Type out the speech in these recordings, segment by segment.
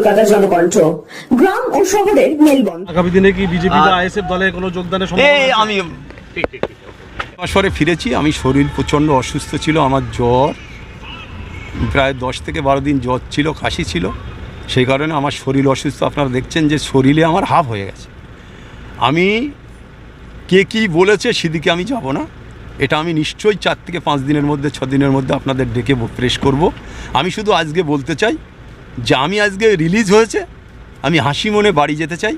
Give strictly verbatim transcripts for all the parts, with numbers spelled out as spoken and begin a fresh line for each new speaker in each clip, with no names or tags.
কলকাতা জনকণ্ঠ, গ্রাম ও শহরের মেলবন্ধন।
আগামী দিনে কি বিজেপি বা আইএসএফ দলে কোনো যোগদানের সম্ভাবনা আছে?
আমি বছরে ফিরেছি। আমি শরীর প্রচণ্ড অসুস্থ ছিল, আমার জ্বর প্রায় দশ থেকে বারো দিন জ্বর ছিল, কাশি ছিল, সেই কারণে আমার শরীর অসুস্থ। আপনারা দেখছেন যে শরীরে আমার হাফ হয়ে গেছে। আমি কে কী বলেছে সেদিকে আমি যাব না, এটা আমি নিশ্চয়ই চার থেকে পাঁচ দিনের মধ্যে ছ দিনের মধ্যে আপনাদের ডেকে প্রেস করব। আমি শুধু আজকে বলতে চাই যে আমি আজকে রিলিজ হয়েছে, আমি হাসি মনে বাড়ি যেতে চাই,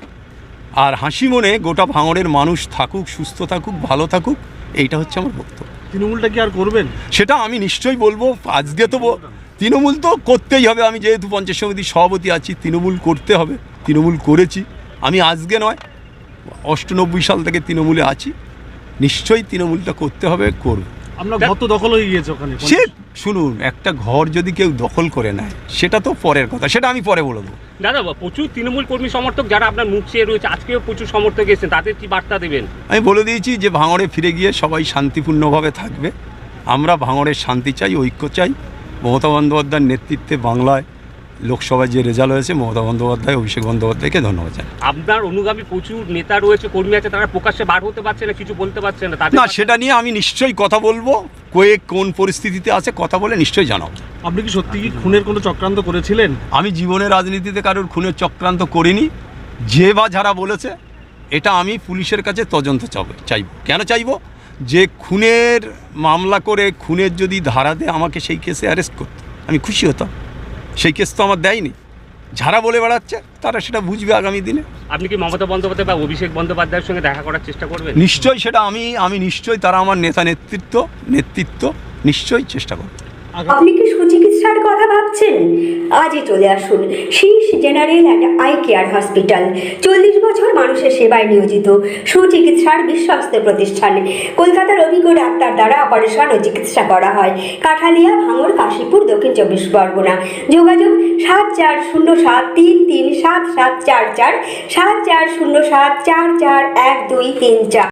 আর হাসি মনে গোটা ভাঙড়ের মানুষ থাকুক, সুস্থ থাকুক, ভালো থাকুক, এইটা হচ্ছে আমার বক্তব্য।
তৃণমূলটা কি আর করবেন?
সেটা আমি নিশ্চয়ই বলবো। আজকে তো তৃণমূল তো করতেই হবে, আমি যেহেতু পঞ্চায়েত সমিতির সভাপতি আছি, তৃণমূল করতে হবে, তৃণমূল করেছি। আমি আজকে নয়, অষ্টানব্বই সাল থেকে তৃণমূলে আছি, নিশ্চয়ই তৃণমূলটা করতে হবে, করব।
আমরা ঘর তো দখল হয়ে গিয়েছে ওখানে।
সে শুনুন, একটা ঘর যদি কেউ দখল করে নেয় সেটা তো পরের কথা, সেটা আমি পরে বলবো।
দাদা, প্রচুর তৃণমূল কর্মী সমর্থক যারা আপনার মুখ চেয়ে রয়েছে, আজকেও প্রচুর সমর্থক এসেছেন, তাদের কি বার্তা দেবেন?
আমি বলে দিয়েছি যে ভাঙড়ে ফিরে গিয়ে সবাই শান্তিপূর্ণভাবে থাকবে। আমরা ভাঙড়ের শান্তি চাই, ঐক্য চাই। মমতা বন্দ্যোপাধ্যায়ের নেতৃত্বে বাংলায় লোকসভায় যে রেজাল্ট হয়েছে, মমতা বন্দ্যোপাধ্যায়, অভিষেক বন্দ্যোপাধ্যায়কে ধন্যবাদ জানাই।
আপনার অনুগামী প্রচুর নেতা রয়েছে, কর্মী আছে, তারা প্রকাশ্যে বার হতে পারছে না, কিছু বলতে পারছে না। তাদের
না, সেটা নিয়ে আমি নিশ্চয়ই কথা বলবো, কয়ে কোন পরিস্থিতিতে আছে কথা বলে নিশ্চয়ই জানাবো।
আপনি কি সত্যি কি খুনের কোনো চক্রান্ত করেছিলেন?
আমি জীবনে রাজনীতিতে কারোর খুনের চক্রান্ত করিনি। যে বা যারা বলেছে, এটা আমি পুলিশের কাছে তদন্ত চাবো চাইব। কেন চাইব? যে খুনের মামলা করে খুনের যদি ধারা দেয় আমাকে সেই কেসে অ্যারেস্ট করতো, আমি খুশি হতাম। সেই কেস তো আমার দেয়নি। যারা বলে বেড়াচ্ছে তারা সেটা বুঝবে আগামী দিনে।
আপনি কি মমতা বন্দ্যোপাধ্যায় বা অভিষেক বন্দ্যোপাধ্যায়ের সঙ্গে দেখা করার চেষ্টা করবেন?
নিশ্চয়ই সেটা আমি আমি নিশ্চয়ই, তারা আমার নেতা নেতৃত্ব নেতৃত্ব নিশ্চয়ই চেষ্টা করব।
আপনি কি সুচিকিৎসার কথা ভাবছেন? আজই চলে আসুন Shish general and eye care hospital. চল্লিশ বছর মানুষের সেবায় নিয়োজিত সুচিকিৎসার বিশ্বস্ত প্রতিষ্ঠান। কলকাতার অভিজ্ঞ ডাক্তার দ্বারা অপারেশন ও চিকিৎসা করা হয়। কাঠালিয়া, ভাঙড়, কাশীপুর, দক্ষিণ চব্বিশ পরগনা। যোগাযোগ সাত চার শূন্য সাত তিন তিন সাত সাত চার চার, সাত চার শূন্য সাত চার চার এক দুই তিন চার।